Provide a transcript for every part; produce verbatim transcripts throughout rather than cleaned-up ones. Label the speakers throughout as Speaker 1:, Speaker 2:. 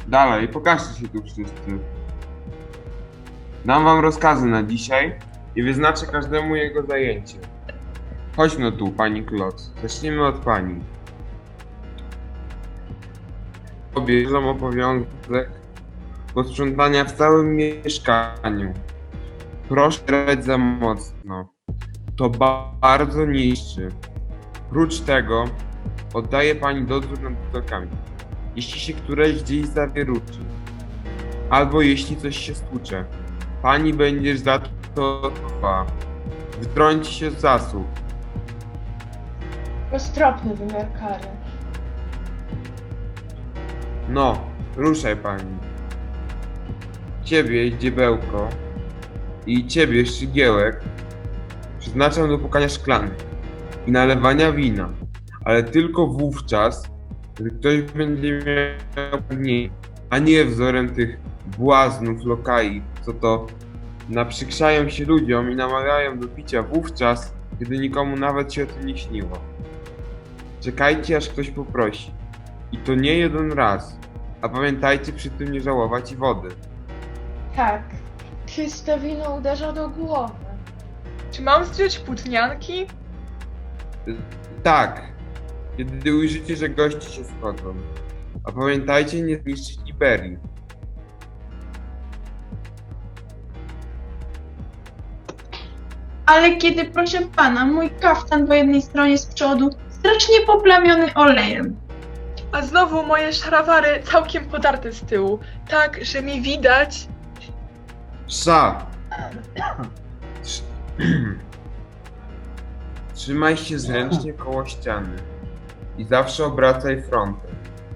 Speaker 1: Dalej, pokażcie się tu wszyscy. Dam wam rozkazy na dzisiaj i wyznaczę każdemu jego zajęcie. Chodź no tu, pani Kloc. Zacznijmy od pani. Bierzą obowiązek posprzątania w całym mieszkaniu. Proszę grać za mocno. To ba bardzo niszczy. Prócz tego oddaje pani dozór nad budowlami. Jeśli się któreś gdzieś zawieruczy, albo jeśli coś się stłucze, pani będziesz za to odpowiedzialna. Wtrąci się w zasób.
Speaker 2: Roztropny wymiar kary.
Speaker 1: No, ruszaj pani. Ciebie, dziebełko, i ciebie, Szczygiełek, przeznaczam do pukania szklanek i nalewania wina, ale tylko wówczas, gdy ktoś będzie miał pragnienie, a nie wzorem tych błaznów lokai, co to naprzykrzają się ludziom i namawiają do picia wówczas, gdy nikomu nawet się o tym nie śniło. Czekajcie, aż ktoś poprosi. I to nie jeden raz. A pamiętajcie przy tym nie żałować i wody.
Speaker 2: Tak, czyste wino uderza do głowy.
Speaker 3: Czy mam zdjąć płótnianki?
Speaker 1: Tak, kiedy ujrzycie, że goście się schodzą. A pamiętajcie nie zniszczyć Iberii.
Speaker 4: Ale kiedy, proszę pana, mój kaftan po jednej stronie z przodu strasznie poplamiony olejem.
Speaker 3: A znowu moje szrawary całkiem podarte z tyłu, tak, że mi widać.
Speaker 1: Psa! Trz- Trzymaj się zręcznie koło ściany i zawsze obracaj frontem.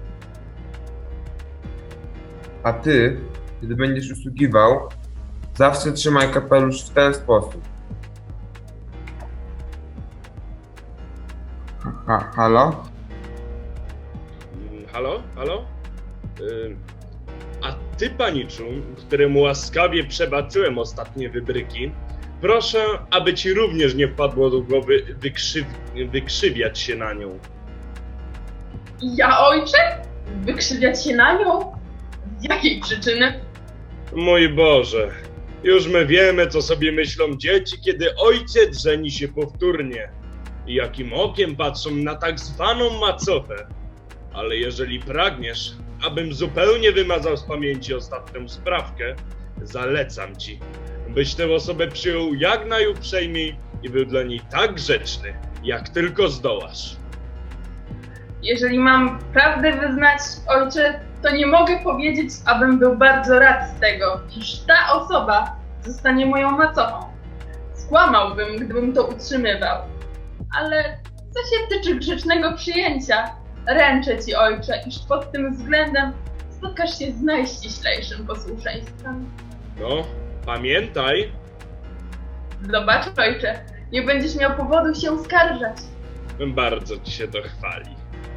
Speaker 1: A ty, kiedy będziesz usługiwał, zawsze trzymaj kapelusz w ten sposób. Ha, ha, halo?
Speaker 5: Mm, Halo? Halo? Ym, A ty, paniczu, któremu łaskawie przebaczyłem ostatnie wybryki, proszę, aby ci również nie wpadło do głowy wykrzyw wykrzywiać się na nią.
Speaker 4: Ja, ojcze? Wykrzywiać się na nią? Z jakiej przyczyny?
Speaker 5: Mój Boże, już my wiemy, co sobie myślą dzieci, kiedy ojciec żeni się powtórnie i jakim okiem patrzą na tak zwaną macochę. Ale jeżeli pragniesz, abym zupełnie wymazał z pamięci ostatnią sprawkę, zalecam ci, byś tę osobę przyjął jak najuprzejmiej i był dla niej tak grzeczny, jak tylko zdołasz.
Speaker 4: Jeżeli mam prawdę wyznać, ojcze, to nie mogę powiedzieć, abym był bardzo rad z tego, iż ta osoba zostanie moją macochą. Skłamałbym, gdybym to utrzymywał. Ale co się tyczy grzecznego przyjęcia, ręczę ci, ojcze, iż pod tym względem spotkasz się z najściślejszym posłuszeństwem.
Speaker 5: No, pamiętaj,
Speaker 4: Zobacz, ojcze, nie będziesz miał powodu się skarżać.
Speaker 5: bardzo ci się to chwali.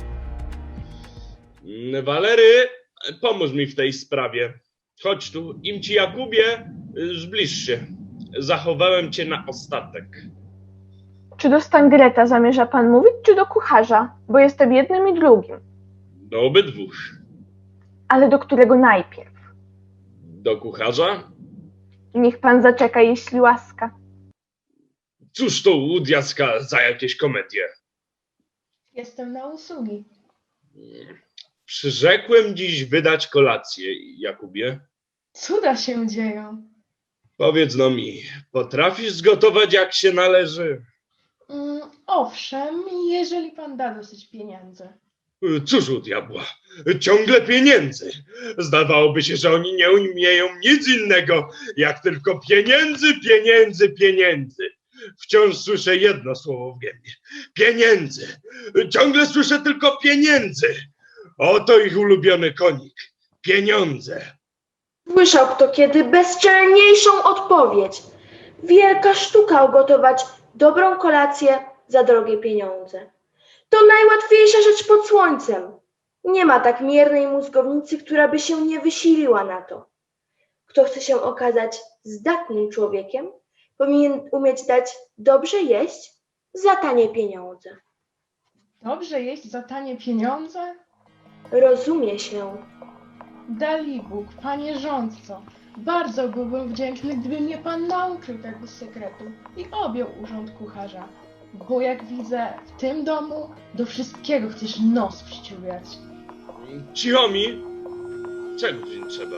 Speaker 5: Mm, Walery, pomóż mi w tej sprawie. Chodź tu, im ci Jakubie, y, zbliż się. Zachowałem cię na ostatek.
Speaker 6: Czy do Stangreta zamierza pan mówić, czy do kucharza? Bo jestem jednym i drugim.
Speaker 5: Do obydwóch.
Speaker 6: Ale do którego najpierw?
Speaker 5: Do kucharza?
Speaker 6: Niech pan zaczeka, jeśli łaska.
Speaker 5: Cóż to u diaska za jakieś komedie?
Speaker 2: Jestem na usługi.
Speaker 5: Przyrzekłem dziś wydać kolację, Jakubie.
Speaker 2: Cuda się dzieją.
Speaker 5: Powiedz no mi, potrafisz zgotować jak się należy?
Speaker 2: Mm, owszem, jeżeli pan da dosyć pieniędzy.
Speaker 5: Cóż u diabła, ciągle pieniędzy. Zdawałoby się, że oni nie umieją nic innego, jak tylko pieniędzy, pieniędzy, pieniędzy. Wciąż słyszę jedno słowo w gębie. Pieniędzy. Ciągle słyszę tylko pieniędzy. Oto ich ulubiony konik. Pieniądze.
Speaker 7: Słyszał kto kiedy bezczelniejszą odpowiedź. Wielka sztuka ugotować dobrą kolację za drogie pieniądze. To najłatwiejsza rzecz pod słońcem. Nie ma tak miernej mózgownicy, która by się nie wysiliła na to. Kto chce się okazać zdatnym człowiekiem, powinien umieć dać dobrze jeść za tanie pieniądze.
Speaker 2: Dobrze jeść za tanie pieniądze?
Speaker 7: Rozumie się.
Speaker 2: Dalibóg, panie rządco, bardzo byłbym wdzięczny, gdyby mnie pan nauczył tego sekretu i objął urząd kucharza. Bo jak widzę, w tym domu do wszystkiego chcesz nos przyciągać.
Speaker 5: Cicho mi! Czego ci trzeba?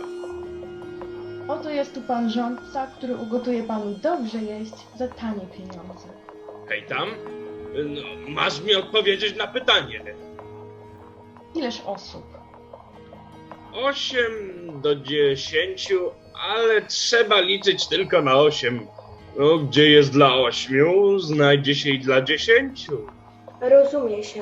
Speaker 2: Oto jest tu pan rządca, który ugotuje panu dobrze jeść za tanie pieniądze.
Speaker 5: Hej tam, no, masz mi odpowiedzieć na pytanie.
Speaker 2: Ileż osób?
Speaker 5: Osiem do dziesięciu, ale trzeba liczyć tylko na osiem. No, gdzie jest dla ośmiu, znajdzie się i dla dziesięciu.
Speaker 7: Rozumie się.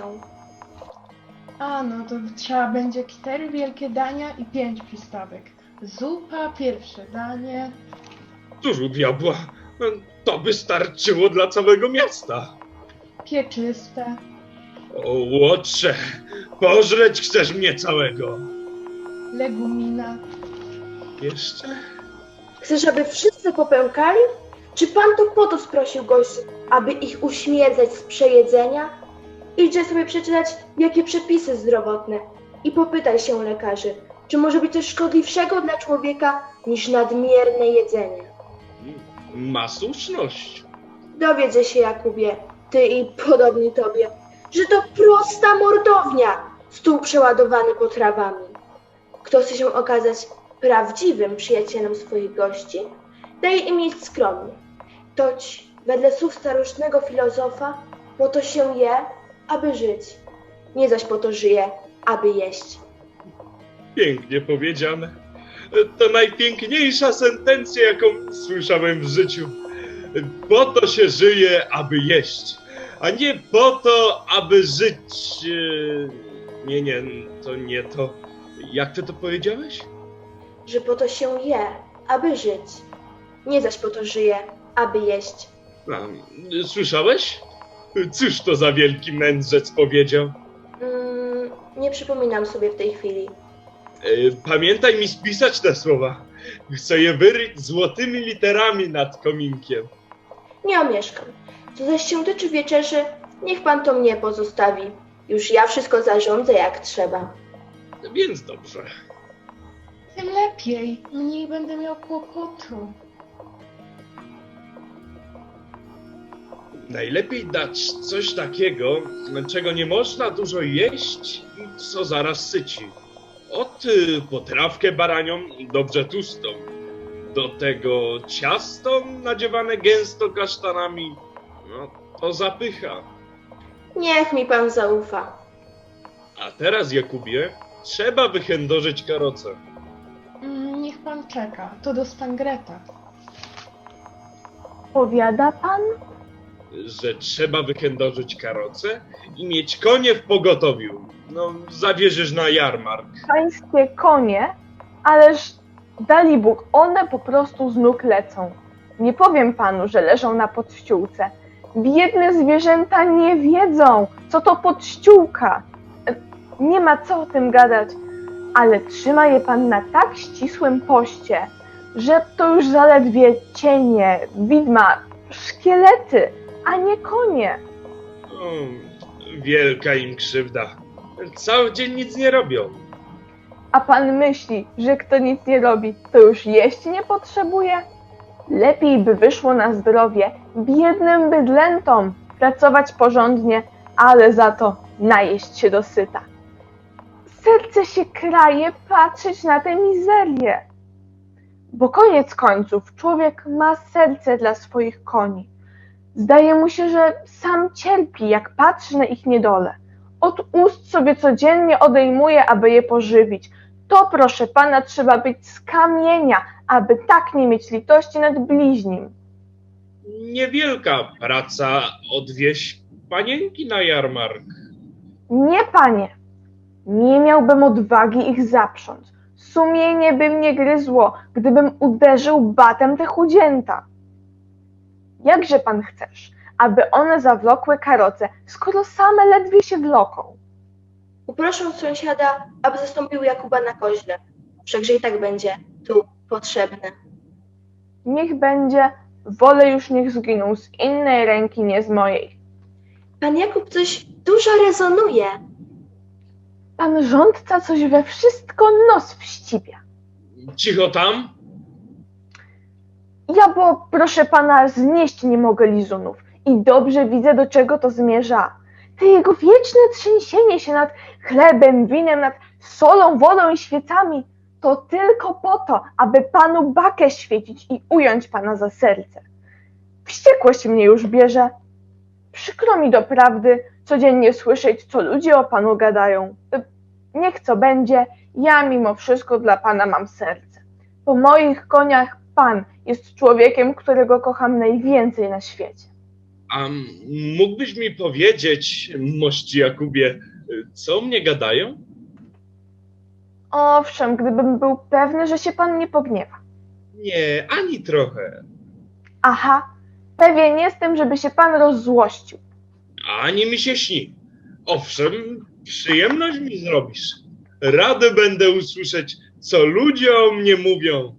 Speaker 2: A no to trzeba będzie cztery wielkie dania i pięć przystawek. Zupa, pierwsze danie.
Speaker 5: Cóż u diabła, to by starczyło dla całego miasta.
Speaker 2: Pieczyste.
Speaker 5: O łotrze, pożreć chcesz mnie całego.
Speaker 2: Legumina.
Speaker 5: Jeszcze?
Speaker 7: Chcesz, aby wszyscy popękali? Czy pan to po to sprosił gości, aby ich uśmierdzać z przejedzenia? Idźże sobie przeczytać, jakie przepisy zdrowotne i popytaj się lekarzy, czy może być coś szkodliwszego dla człowieka niż nadmierne jedzenie.
Speaker 5: Ma słuszność.
Speaker 7: Dowiedzę się, Jakubie, ty i podobni tobie, że to prosta mordownia, stół przeładowany potrawami. Kto chce się okazać prawdziwym przyjacielem swoich gości, daje im jeść skromnie. Toć, wedle słów starożytnego filozofa, po to się je, aby żyć, nie zaś po to żyje, aby jeść.
Speaker 5: Pięknie powiedziane. To najpiękniejsza sentencja, jaką słyszałem w życiu. Po to się żyje, aby jeść, a nie po to, aby żyć... e, Nie, nie, to nie to. Jak ty to powiedziałeś?
Speaker 7: Że po to się je, aby żyć, nie zaś po to żyje, aby jeść.
Speaker 5: A, słyszałeś? Cóż to za wielki mędrzec powiedział?
Speaker 7: Mm, nie przypominam sobie w tej chwili.
Speaker 5: E, Pamiętaj mi spisać te słowa. Chcę je wyryć złotymi literami nad kominkiem.
Speaker 7: Nie omieszkam. Co zaś się tyczy wieczerzy, niech pan to mnie pozostawi. Już ja wszystko zarządzę jak trzeba.
Speaker 5: Więc dobrze.
Speaker 2: Tym lepiej, mniej będę miał kłopotu.
Speaker 5: Najlepiej dać coś takiego, czego nie można dużo jeść i co zaraz syci. Od y, potrawkę baranią, dobrze tłustą. Do tego ciasto nadziewane gęsto kasztanami. No, to zapycha.
Speaker 7: Niech mi pan zaufa.
Speaker 5: A teraz, Jakubie, trzeba wychędożyć karocę.
Speaker 2: Mm, niech pan czeka, to do Stangreta.
Speaker 6: Powiada pan?
Speaker 5: Że trzeba wychędożyć karocę i mieć konie w pogotowiu. No, zawierzysz na jarmark.
Speaker 6: Pańskie konie? Ależ Dalibóg, one po prostu z nóg lecą. Nie powiem panu, że leżą na podściółce. Biedne zwierzęta nie wiedzą, co to podściółka. E, Nie ma co o tym gadać, ale trzyma je pan na tak ścisłym poście, że to już zaledwie cienie, widma, szkielety, a nie konie.
Speaker 5: O, wielka im krzywda. Cały dzień nic nie robią.
Speaker 6: A pan myśli, że kto nic nie robi, to już jeść nie potrzebuje? Lepiej by wyszło na zdrowie biednym bydlętom pracować porządnie, ale za to najeść się dosyta. Serce się kraje patrzeć na tę mizerię. Bo koniec końców człowiek ma serce dla swoich koni. Zdaje mu się, że sam cierpi, jak patrzy na ich niedolę. Od ust sobie codziennie odejmuje, aby je pożywić. To, proszę pana, trzeba być z kamienia, aby tak nie mieć litości nad bliźnim.
Speaker 5: Niewielka praca odwieźć panienki na jarmark.
Speaker 6: Nie, panie, nie miałbym odwagi ich zaprząc. Sumienie by mnie gryzło, gdybym uderzył batem te chudzięta. Jakże pan chcesz, aby one zawlokły karoce, skoro same ledwie się wloką?
Speaker 7: Uproszę sąsiada, aby zastąpił Jakuba na koźle. Wszakże i tak będzie tu potrzebne.
Speaker 6: Niech będzie, wolę już niech zginą z innej ręki, nie z mojej.
Speaker 7: Pan Jakub coś dużo rezonuje.
Speaker 6: Pan rządca coś we wszystko nos wścibia.
Speaker 5: Cicho tam.
Speaker 6: Ja, bo proszę pana, znieść nie mogę lizunów i dobrze widzę, do czego to zmierza. Te jego wieczne trzęsienie się nad chlebem, winem, nad solą, wodą i świecami, to tylko po to, aby panu bakę świecić i ująć pana za serce. Wściekłość mnie już bierze. Przykro mi doprawdy codziennie słyszeć, co ludzie o panu gadają. Niech co będzie, ja mimo wszystko dla pana mam serce. Po moich koniach pan jest człowiekiem, którego kocham najwięcej na świecie.
Speaker 5: A mógłbyś mi powiedzieć, mości Jakubie, co o mnie gadają?
Speaker 6: Owszem, gdybym był pewny, że się pan nie pogniewa.
Speaker 5: Nie, ani trochę.
Speaker 6: Aha, pewien jestem, żeby się pan rozzłościł.
Speaker 5: Ani mi się śni. Owszem, przyjemność mi zrobisz. Rady będę usłyszeć, co ludzie o mnie mówią.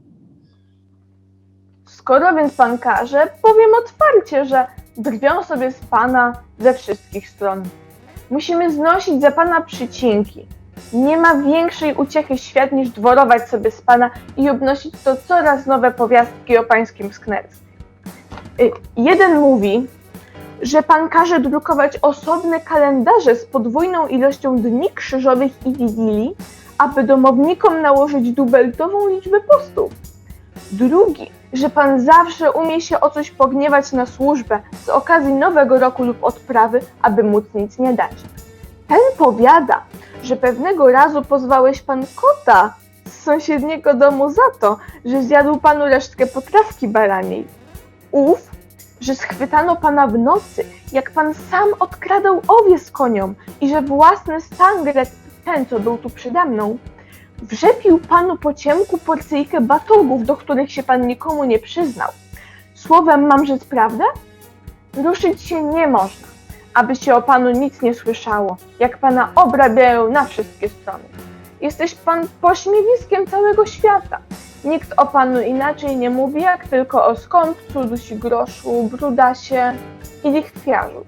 Speaker 6: Skoro więc pan każe, powiem otwarcie, że drwią sobie z pana ze wszystkich stron. Musimy znosić za pana przycinki. Nie ma większej uciechy świat niż dworować sobie z pana i obnosić to coraz nowe powiastki o pańskim sknerstwie. Y, Jeden mówi, że pan każe drukować osobne kalendarze z podwójną ilością dni krzyżowych i wigilii, aby domownikom nałożyć dubeltową liczbę postów. Drugi, że pan zawsze umie się o coś pogniewać na służbę z okazji nowego roku lub odprawy, aby móc nic nie dać. Ten powiada, że pewnego razu pozwałeś pan kota z sąsiedniego domu za to, że zjadł panu resztkę potrawki baraniej. Ów, że schwytano pana w nocy, jak pan sam odkradał owiec koniom i że własny stangret, ten co był tu przede mną, wrzepił panu po ciemku porcyjkę batogów, do których się pan nikomu nie przyznał. Słowem mam rzec prawdę? Ruszyć się nie można, aby się o panu nic nie słyszało, jak pana obrabiają na wszystkie strony. Jesteś pan pośmiewiskiem całego świata. Nikt o panu inaczej nie mówi, jak tylko o skąpcu, dusigroszu, brudasie i lichwiarzu.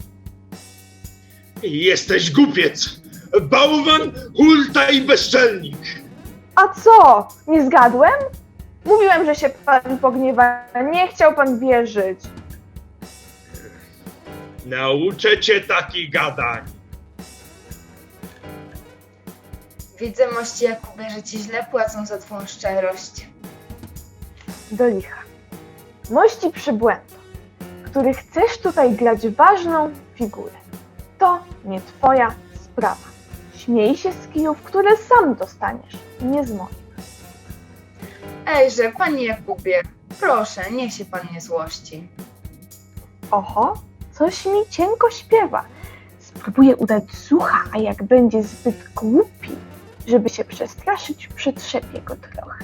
Speaker 5: Jesteś głupiec, bałwan, hulta i bezczelnik.
Speaker 6: A co? Nie zgadłem? Mówiłem, że się pan pogniewa. Nie chciał pan wierzyć.
Speaker 5: Nauczę cię takich gadań.
Speaker 8: Widzę, mości Jakubie, że ci źle płacą za twą szczerość.
Speaker 6: Do licha. Mości przybłędo, który chcesz tutaj grać ważną figurę. To nie twoja sprawa. Śmiej się z kijów, które sam dostaniesz, nie z moich.
Speaker 8: Ejże, panie Jakubie, proszę, niech się pan nie złości.
Speaker 6: Oho, coś mi cienko śpiewa. Spróbuję udać słucha, a jak będzie zbyt głupi, żeby się przestraszyć, przetrzepię go trochę.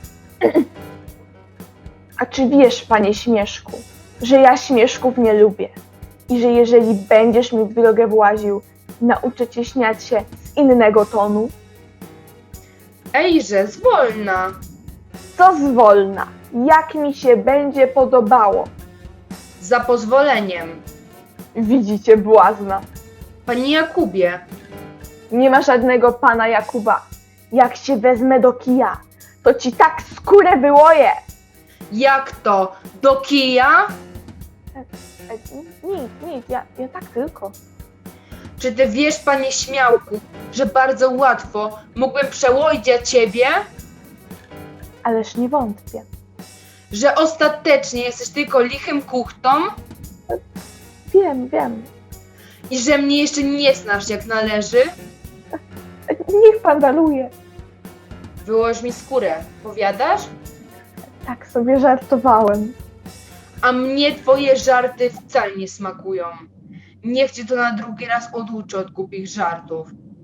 Speaker 6: A czy wiesz, panie Śmieszku, że ja śmieszków nie lubię i że jeżeli będziesz mi w drogę właził, nauczę cię śmiać się z innego tonu?
Speaker 8: Ejże, zwolna!
Speaker 6: Co zwolna, jak mi się będzie podobało.
Speaker 8: Za pozwoleniem.
Speaker 6: Widzicie, błazna.
Speaker 8: Panie Jakubie,
Speaker 6: Nie ma żadnego pana Jakuba. Jak się wezmę do kija, to ci tak skórę wyłoję.
Speaker 8: jak to? Do kija?
Speaker 6: E, nic, nic, ja, ja tak tylko.
Speaker 8: Czy ty wiesz, panie Śmiałku, że bardzo łatwo mógłbym przełodzić ciebie?
Speaker 6: Ależ nie wątpię.
Speaker 8: Że ostatecznie jesteś tylko lichym kuchtą?
Speaker 6: Wiem, wiem.
Speaker 8: I że mnie jeszcze nie znasz jak należy?
Speaker 6: E, Niech pan daruje.
Speaker 8: Wyłoż mi skórę, powiadasz?
Speaker 6: Tak sobie żartowałem.
Speaker 8: A mnie twoje żarty wcale nie smakują. Niech cię to na drugi raz oduczy od głupich żartów.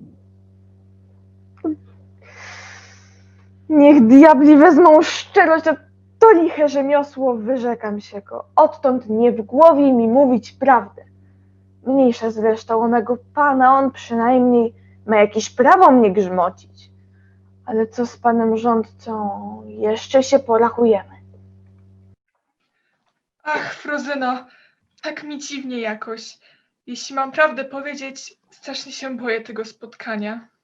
Speaker 6: Niech diabli wezmą szczerość, a to liche rzemiosło, wyrzekam się go. Odtąd nie w głowie mi mówić prawdę. Mniejsza zresztą o mego pana, on przynajmniej ma jakieś prawo mnie grzmocić. Ale co z panem rządcą? Jeszcze się porachujemy.
Speaker 3: Ach, Frozyno, tak mi dziwnie jakoś. Jeśli mam prawdę powiedzieć, strasznie się boję tego spotkania.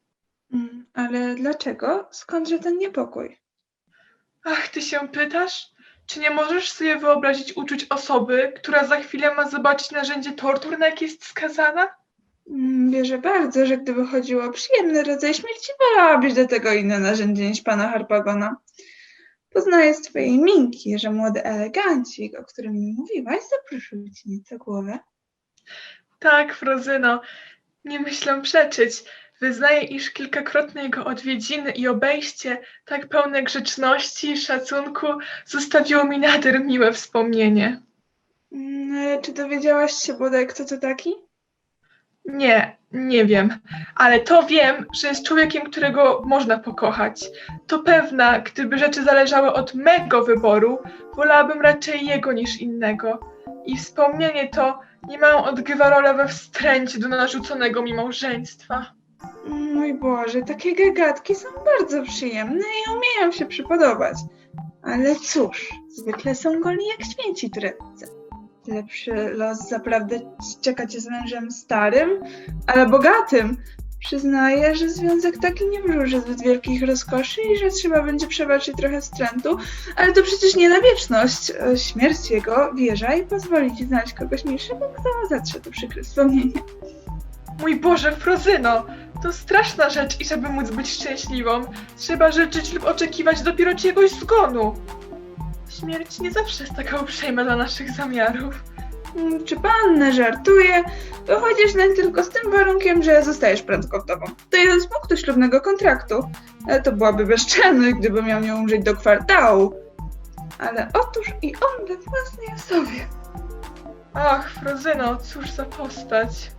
Speaker 9: Mm, ale dlaczego? Skądże ten niepokój?
Speaker 3: Ach, ty się pytasz? Czy nie możesz sobie wyobrazić uczuć osoby, która za chwilę ma zobaczyć narzędzie tortur, na jakie jest skazana?
Speaker 9: Mm, Wierzę bardzo, że gdyby chodziło o przyjemny rodzaj śmierci, wolałabyś do tego inne narzędzie niż pana Harpagona. Poznaję z twojej minki, że młody elegancik, o którym mi mówiłaś, zaproszył ci nieco głowę.
Speaker 3: Tak, Frozyno, nie myślę przeczyć. Wyznaję, iż kilkakrotne jego odwiedziny i obejście, tak pełne grzeczności i szacunku, zostawiło mi nader miłe wspomnienie.
Speaker 9: Mm, ale czy dowiedziałaś się bodaj, kto to taki?
Speaker 3: Nie, nie wiem, ale to wiem, że jest człowiekiem, którego można pokochać. To pewna, gdyby rzeczy zależały od mego wyboru, wolałabym raczej jego niż innego. I wspomnienie to niemało odgrywa rolę we wstręcie do narzuconego mi małżeństwa.
Speaker 9: Mój Boże, takie gagatki są bardzo przyjemne i umieją się przypodobać. Ale cóż, zwykle są goli jak święci tureccy. Lepszy los zaprawdę czeka cię z mężem starym, ale bogatym. Przyznaję, że związek taki nie wróży zbyt wielkich rozkoszy i że trzeba będzie przebaczyć trochę wstrętu, ale to przecież nie na wieczność. Śmierć jego, wierzaj, pozwoli ci znaleźć kogoś milszego, kto zatrze to przykre wspomnienie.
Speaker 3: Mój Boże, Frozyno, to straszna rzecz i żeby móc być szczęśliwą, trzeba życzyć lub oczekiwać dopiero czyjegoś zgonu. Śmierć nie zawsze jest taka uprzejma dla naszych zamiarów.
Speaker 9: Mm, Czy panna żartuje? Wychodzisz nań tylko z tym warunkiem, że zostajesz prędko wdową. To jeden z punktów ślubnego kontraktu. Ale to byłaby bezczelność, gdyby miał nią użyć do kwartału. Ale otóż i on we własnej osobie.
Speaker 3: Ach, Frozyno, cóż za postać.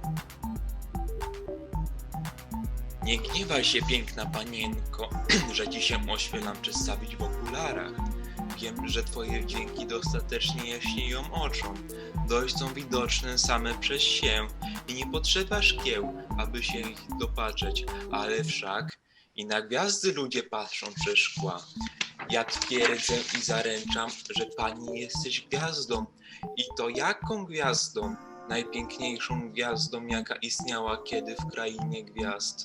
Speaker 10: Nie gniewaj się, piękna panienko, że ci się ośmielam przedstawić w okularach. Wiem, że twoje wdzięki dostatecznie jaśnieją oczom. Dość są widoczne same przez się i nie potrzeba szkieł, aby się ich dopatrzeć, ale wszak i na gwiazdy ludzie patrzą przez szkła. Ja twierdzę i zaręczam, że pani jesteś gwiazdą. I to jaką gwiazdą? Najpiękniejszą gwiazdą, jaka istniała kiedy w krainie gwiazd.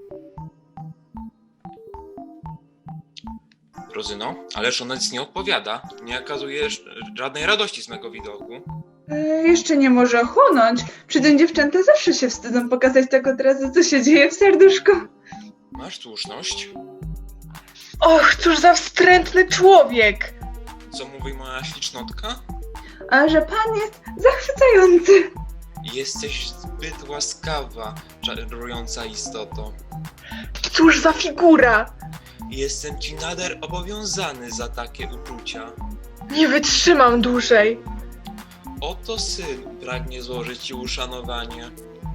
Speaker 10: Frozyno, ależ ona nic nie odpowiada. Nie okazujesz żadnej radości z mego widoku.
Speaker 9: E, jeszcze nie może ochłonąć. Przy tym dziewczęta zawsze się wstydzą pokazać tak od razu, co się dzieje w serduszku.
Speaker 10: Masz słuszność.
Speaker 3: Och, cóż za wstrętny człowiek!
Speaker 10: Co mówi moja ślicznotka?
Speaker 9: A że pan jest zachwycający.
Speaker 10: Jesteś zbyt łaskawa, czarująca istoto.
Speaker 3: Cóż za figura!
Speaker 10: Jestem ci nader obowiązany za takie uczucia.
Speaker 3: Nie wytrzymam dłużej.
Speaker 10: Oto syn pragnie złożyć ci uszanowanie.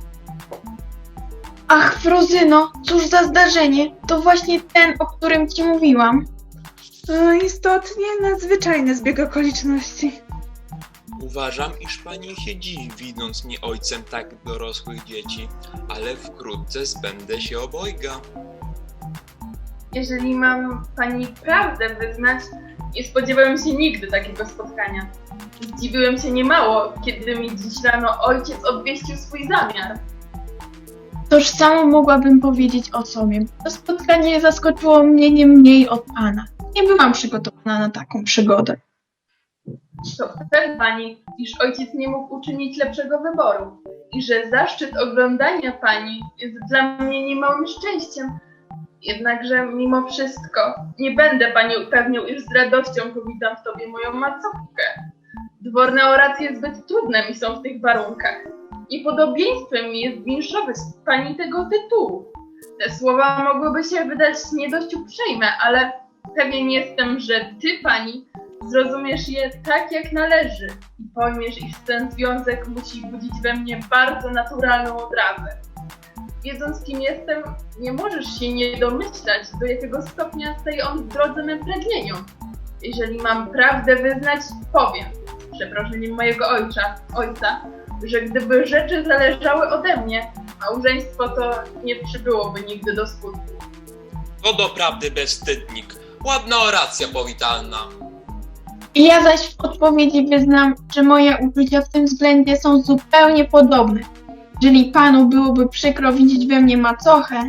Speaker 11: Ach, Frozyno, cóż za zdarzenie. To właśnie ten, o którym ci mówiłam.
Speaker 9: O, istotnie nadzwyczajny zbieg okoliczności.
Speaker 10: Uważam, iż pani się dziwi, widząc mnie ojcem tak dorosłych dzieci, ale wkrótce zbędę się obojga.
Speaker 4: Jeżeli mam pani prawdę wyznać, nie spodziewałem się nigdy takiego spotkania. Zdziwiłem się niemało, kiedy mi dziś rano ojciec obwieścił swój zamiar.
Speaker 11: Toż samo mogłabym powiedzieć o sobie. To spotkanie zaskoczyło mnie nie mniej od pana. Nie byłam przygotowana na taką przygodę.
Speaker 4: To pewna pani, iż ojciec nie mógł uczynić lepszego wyboru i że zaszczyt oglądania pani jest dla mnie niemałym szczęściem. Jednakże mimo wszystko nie będę pani upewniał, iż z radością powitam w tobie moją macochę. Dworne oracje zbyt trudne mi są w tych warunkach. Niepodobieństwem mi jest winszować pani tego tytułu. Te słowa mogłyby się wydać nie dość uprzejme, ale pewien jestem, że ty, pani, zrozumiesz je tak, jak należy i pojmiesz, iż ten związek musi budzić we mnie bardzo naturalną odrazę. Wiedząc, kim jestem, nie możesz się nie domyślać, do jakiego stopnia staje on w drodze mym pragnieniom. Jeżeli mam prawdę wyznać, powiem, z przeproszeniem mojego ojca, ojca, że gdyby rzeczy zależały ode mnie, małżeństwo to nie przybyłoby nigdy do skutku.
Speaker 10: To doprawdy bezwstydnik. Ładna oracja powitalna.
Speaker 11: Ja zaś w odpowiedzi wyznam, że moje uczucia w tym względzie są zupełnie podobne. Jeżeli panu byłoby przykro widzieć we mnie macochę,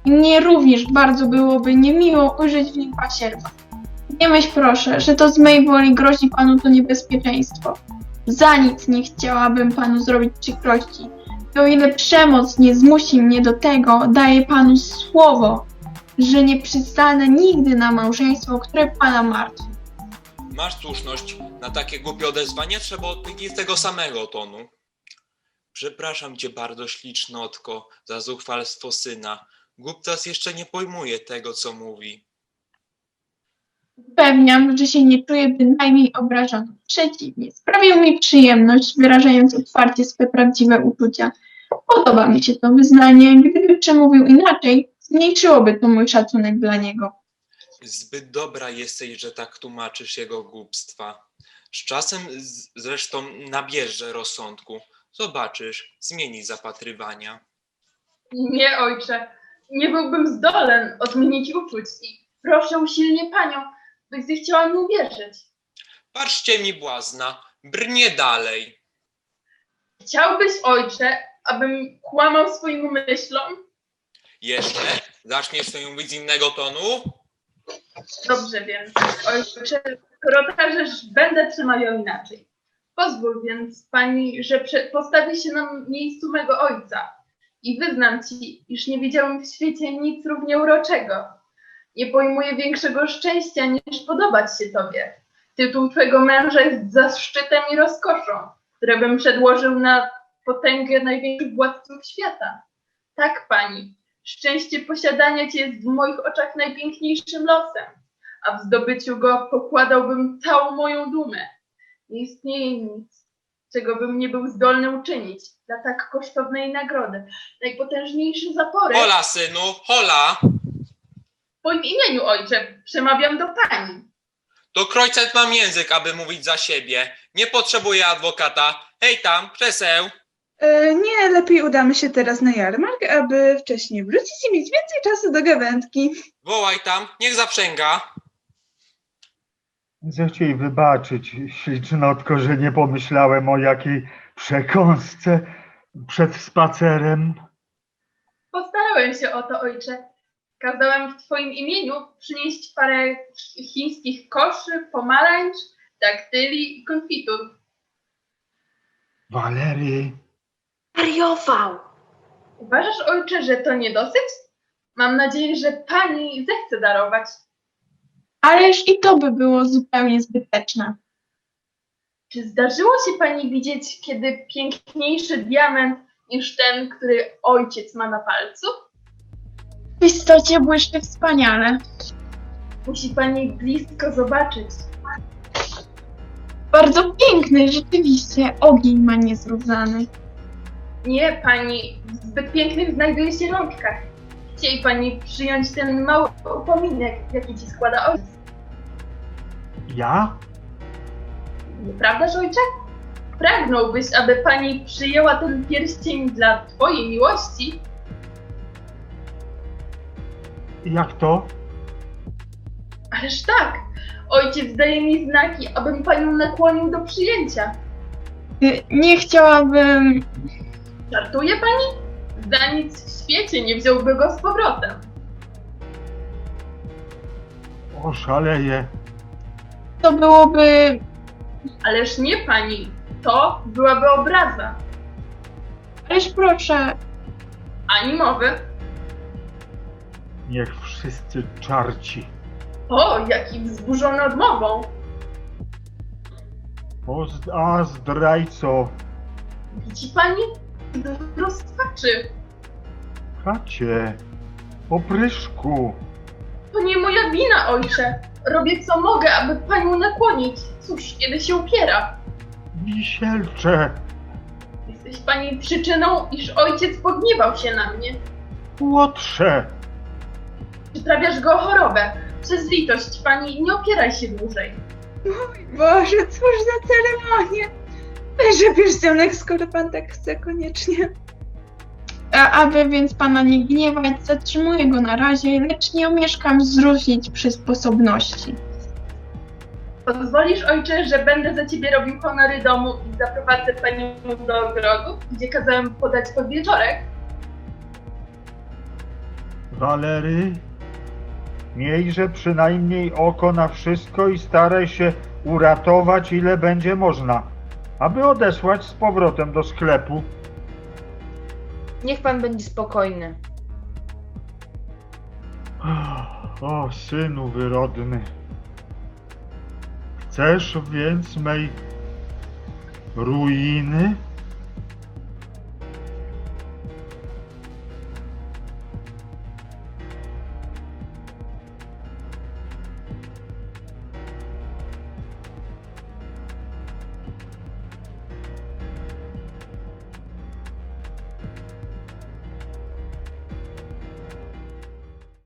Speaker 11: I mnie również bardzo byłoby niemiło ujrzeć w nim pasierba. Nie myśl proszę, że to z mej woli grozi panu to niebezpieczeństwo. Za nic nie chciałabym panu zrobić przykrości. I o ile przemoc nie zmusi mnie do tego, daję panu słowo, że nie przystanę nigdy na małżeństwo, które pana martwi.
Speaker 10: Masz słuszność, na takie głupie odezwanie trzeba odpowiedzieć z tego samego tonu. Przepraszam cię bardzo, ślicznotko, za zuchwalstwo syna. Głuptas jeszcze nie pojmuje tego, co mówi.
Speaker 11: Upewniam, że się nie czuję bynajmniej obrażony. Przeciwnie, sprawił mi przyjemność, wyrażając otwarcie swe prawdziwe uczucia. Podoba mi się to wyznanie. Gdyby przemówił inaczej, zmniejszyłoby to mój szacunek dla niego.
Speaker 10: Zbyt dobra jesteś, że tak tłumaczysz jego głupstwa. Z czasem z- zresztą nabierze rozsądku. Zobaczysz, zmieni zapatrywania.
Speaker 4: Nie, ojcze, nie byłbym zdolny odmienić uczuć i proszę usilnie panią, byś zechciała mi uwierzyć.
Speaker 10: Patrzcie mi błazna, brnie dalej.
Speaker 4: Chciałbyś, ojcze, abym kłamał swoim myślom?
Speaker 10: Jeszcze? Zaczniesz sobie mówić z innego tonu?
Speaker 4: Dobrze więc, ojcze, skoro każesz, będę trzymał ją inaczej. Pozwól więc pani, że prze- postawi się na miejscu mego ojca i wyznam ci, iż nie widziałem w świecie nic równie uroczego. Nie pojmuję większego szczęścia, niż podobać się tobie. Tytuł twego męża jest zaszczytem i rozkoszą, które bym przedłożył na potęgę największych władców świata. Tak, pani, szczęście posiadania cię jest w moich oczach najpiękniejszym losem, a w zdobyciu go pokładałbym całą moją dumę. Nie istnieje nic, czego bym nie był zdolny uczynić dla tak kosztownej nagrody. Najpotężniejszy zaporek...
Speaker 10: Hola, synu, hola!
Speaker 4: W twoim imieniu, ojcze, przemawiam do pani.
Speaker 10: To krojcet mam język, aby mówić za siebie. Nie potrzebuję adwokata. Hej tam, krzeseł!
Speaker 9: E, nie, lepiej udamy się teraz na jarmark, aby wcześniej wrócić i mieć więcej czasu do gawędki.
Speaker 10: Wołaj tam, niech zaprzęga.
Speaker 12: Zechciej wybaczyć, ślicznotko, że nie pomyślałem o jakiej przekąsce przed spacerem.
Speaker 4: Postarałem się o to, ojcze. Kazałem w twoim imieniu przynieść parę chińskich koszy, pomarańcz, daktyli i konfitur.
Speaker 12: Walerii,
Speaker 7: Wariował.
Speaker 4: Uważasz, ojcze, że to nie dosyć? Mam nadzieję, że pani zechce darować.
Speaker 11: Ależ i to by było zupełnie zbyteczne.
Speaker 4: Czy zdarzyło się pani widzieć kiedy piękniejszy diament niż ten, który ojciec ma na palcu?
Speaker 11: W istocie błyszczy wspaniale.
Speaker 4: Musi pani blisko zobaczyć.
Speaker 11: Bardzo piękny, rzeczywiście. Ogień ma niezrównany.
Speaker 4: Nie, pani, w zbyt pięknych znajduje się rączkach. Chciej pani przyjąć ten mały upominek, jaki ci składa ojciec.
Speaker 12: ja?
Speaker 4: Nieprawdaż, ojcze? Pragnąłbyś, aby pani przyjęła ten pierścień dla twojej miłości?
Speaker 12: Jak to?
Speaker 4: Ależ tak! Ojciec daje mi znaki, abym panią nakłonił do przyjęcia.
Speaker 11: Y, Nie chciałabym...
Speaker 4: Żartuje pani? Za nic w świecie nie wziąłby go z powrotem.
Speaker 12: Oszaleję.
Speaker 11: To byłoby...
Speaker 4: Ależ nie pani, to byłaby obraza.
Speaker 11: Ależ proszę,
Speaker 4: Ani mowy.
Speaker 12: Niech wszyscy czarci.
Speaker 4: O, jaki wzburzony odmową.
Speaker 12: O, z- a zdrajco,
Speaker 4: Widzi pani? Rozpaczy.
Speaker 12: chacie, opryszku.
Speaker 4: To nie moja wina, ojcze. Robię co mogę, aby panią nakłonić. Cóż, kiedy się upiera.
Speaker 12: Wisielcze,
Speaker 4: Jesteś pani przyczyną, iż ojciec pogniewał się na mnie.
Speaker 12: łotrze.
Speaker 4: Przyprawiasz go o chorobę. Przez litość pani nie opieraj się dłużej.
Speaker 9: Boże, cóż za ceremonia. Weźże pierścionek, skoro pan tak chce koniecznie.
Speaker 11: a aby więc pana nie gniewać, zatrzymuję go na razie, lecz nie omieszkam zwrócić przy sposobności.
Speaker 4: Pozwolisz, ojcze, że będę za ciebie robił honory domu i zaprowadzę panią do ogrodu, gdzie kazałem podać podwieczorek?
Speaker 12: Walery, miejże przynajmniej oko na wszystko i staraj się uratować ile będzie można, aby odesłać z powrotem do sklepu.
Speaker 8: Niech pan będzie spokojny.
Speaker 12: O, synu wyrodny. Chcesz więc mej ruiny?